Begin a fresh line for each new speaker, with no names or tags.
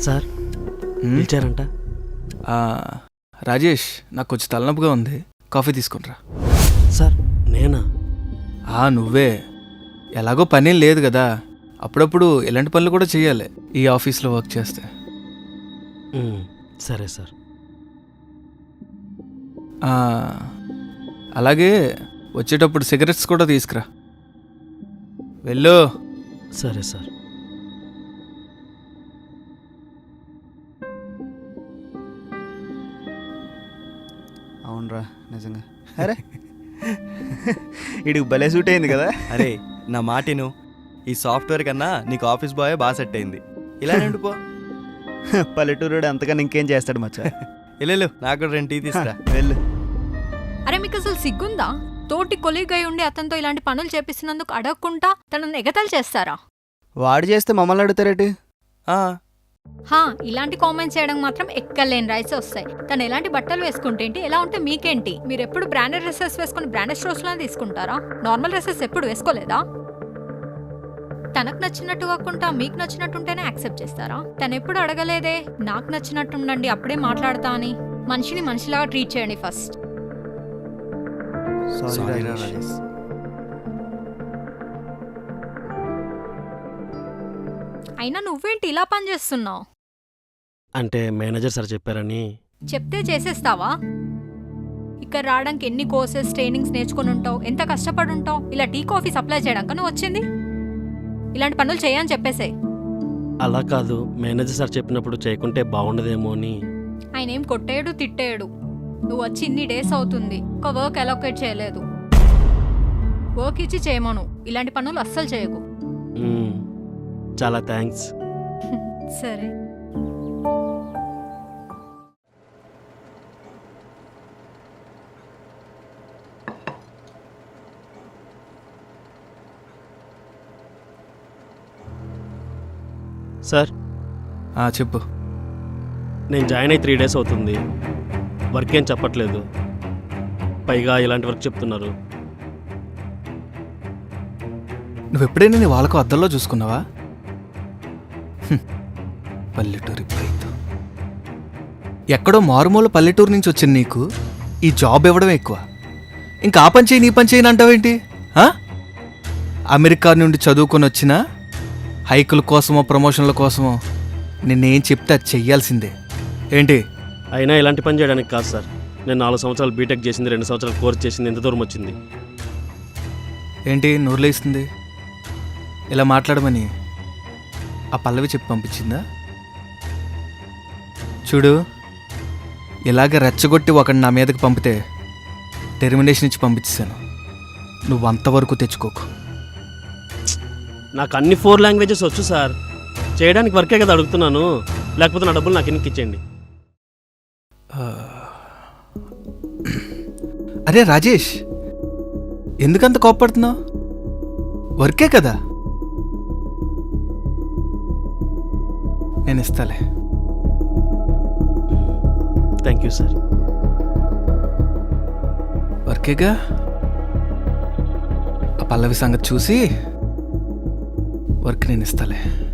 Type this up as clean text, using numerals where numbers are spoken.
Sir పిలిచారంట.
Rajesh, నాకు కొంచెం తలనొప్పిగా ఉంది, కాఫీ తీసుకునిరా.
సార్ నేనా?
నువ్వే. ఎలాగో పనేం లేదు కదా, అప్పుడప్పుడు ఇలాంటి పనులు కూడా చేయాలి ఈ ఆఫీస్లో వర్క్ చేస్తే.
సరే సార్.
అలాగే వచ్చేటప్పుడు సిగరెట్స్ కూడా తీసుకురా. వెళ్ళు.
సరే సార్.
అవునరా, నిజంగా. అరే ఇడికి భలే సూట్ అయింది కదా.
అరే నా మాటిను, ఈ సాఫ్ట్వేర్ కన్నా నీకు ఆఫీస్ బాయ్ బాగా సెట్ అయింది. ఇలా నిండిపో.
పల్లెటూరుడు అంతకన్నా ఇంకేం చేస్తాడు మచ్చా.
వెళ్ళు, నాకు కూడా 2 టీ తీసుకురా.
వెళ్ళు.
అరే మీకు అసలు సిగ్గుందా? తోటి కొలీగ్ అయి ఉండి అతనితో ఇలాంటి పనులు చేపిస్తున్నందుకు అడగకుండా తనను ఎగతాలు చేస్తారా?
వాడు చేస్తే మమ్మల్ని అడుగుతారేటి?
ఇలాంటి కామెంట్స్ చేయడం మాత్రం ఎక్కలేని రైట్స్ వస్తాయి. తను ఎలాంటి బట్టలు వేసుకుంటేంటి, ఎలా ఉంటే మీకేంటి? మీరు ఎప్పుడు బ్రాండెడ్ డ్రెస్సెస్ వేసుకుని బ్రాండెడ్ స్టోర్స్ లోనే తీసుకుంటారా? నార్మల్ డ్రెస్సెస్ ఎప్పుడు వేసుకోలేదా? తనకు నచ్చినట్టు కాకుండా మీకు నచ్చినట్టుంటేనే యాక్సెప్ట్ చేస్తారా? తను ఎప్పుడు అడగలేదే నాకు నచ్చినట్టు ఉండండి అప్పుడే మాట్లాడతా అని. మనిషిని మనిషిలాగా ట్రీట్ చేయండి ఫస్ట్. అయినా నువ్వేంటి ఇలా పని చేస్తున్నావు?
అంటే మేనేజర్ సార్ చెప్పారని.
చెప్తే చేసేస్తావా? ఇక్కడ రావడానికి ఎన్ని కోర్సెస్ ట్రైనింగ్స్ నేర్చుకుని ఉంటావు, ఎంత కష్టపడి ఉంటావు. ఇలా టీ కాఫీ సప్లై చేయడానికి నువ్వు వచ్చింది? ఇలాంటి పనులు చేయని చెప్పేసే.
అలా కాదు, మేనేజర్ సార్ చెప్పినప్పుడు చేయకుంటే బాగుండదేమో అని.
ఆయన ఏం కొట్టేయడు తిట్టేయడు. నువ్వు వచ్చి ఇన్ని డేస్ అవుతుంది, ఒక వర్క్ అలొకేట్ చేయలేదు. వర్క్ ఇచ్చి చేయమను, ఇలాంటి పనులు అస్సలు చేయకు.
చాలా థ్యాంక్స్.
సరే.
సార్
చెప్పు.
నేను జాయిన్ అయ్యి 3 డేస్ అవుతుంది, వర్క్ ఏం చెప్పట్లేదు, పైగా ఇలాంటి వర్క్ చెప్తున్నారు.
నువ్వు ఎప్పుడైనా నీ వాళ్ళకు అద్దంలో చూసుకున్నావా? పల్లెటూరి రైతు, ఎక్కడో మారుమూల పల్లెటూరు నుంచి వచ్చిన నీకు ఈ జాబ్ ఇవ్వడం ఎక్కువ. ఇంకా ఆ పని చేయి నీ పని చేయని అంటావేంటి? అమెరికా నుండి చదువుకొని వచ్చిన హైకుల కోసమో ప్రమోషన్ల కోసమో నిన్నేం చెప్తే అది చెయ్యాల్సిందే ఏంటి?
అయినా ఇలాంటి పని చేయడానికి కాదు సార్. నేను 4 సంవత్సరాలు బీటెక్ చేసింది, 2 సంవత్సరాలు కోర్స్ చేసింది, ఎంత దూరం వచ్చింది?
ఏంటి నూరులేస్తుంది? ఇలా మాట్లాడమని ఆ పల్లవి చెప్పి పంపించిందా? చూడు, ఇలాగ రెచ్చగొట్టి ఒకటి నా మీదకి పంపితే టెర్మినేషన్ ఇచ్చి పంపించేశాను. నువ్వు అంతవరకు తెచ్చుకోకు.
నాకు అన్ని 4 లాంగ్వేజెస్ వచ్చు సార్, చేయడానికి వర్కే కదా అడుగుతున్నాను. లేకపోతే నా డబ్బులు నాకు ఎన్నికి ఇచ్చేయండి.
అరే రాజేష్, ఎందుకంత కోప్పడుతున్నావు? వర్కే కదా, నేను ఇస్తాలే.
Thank you sir.
వర్కేగా, ఆ పల్లవి సంగతి చూసి వర్క్ నేను ఇస్తాలే.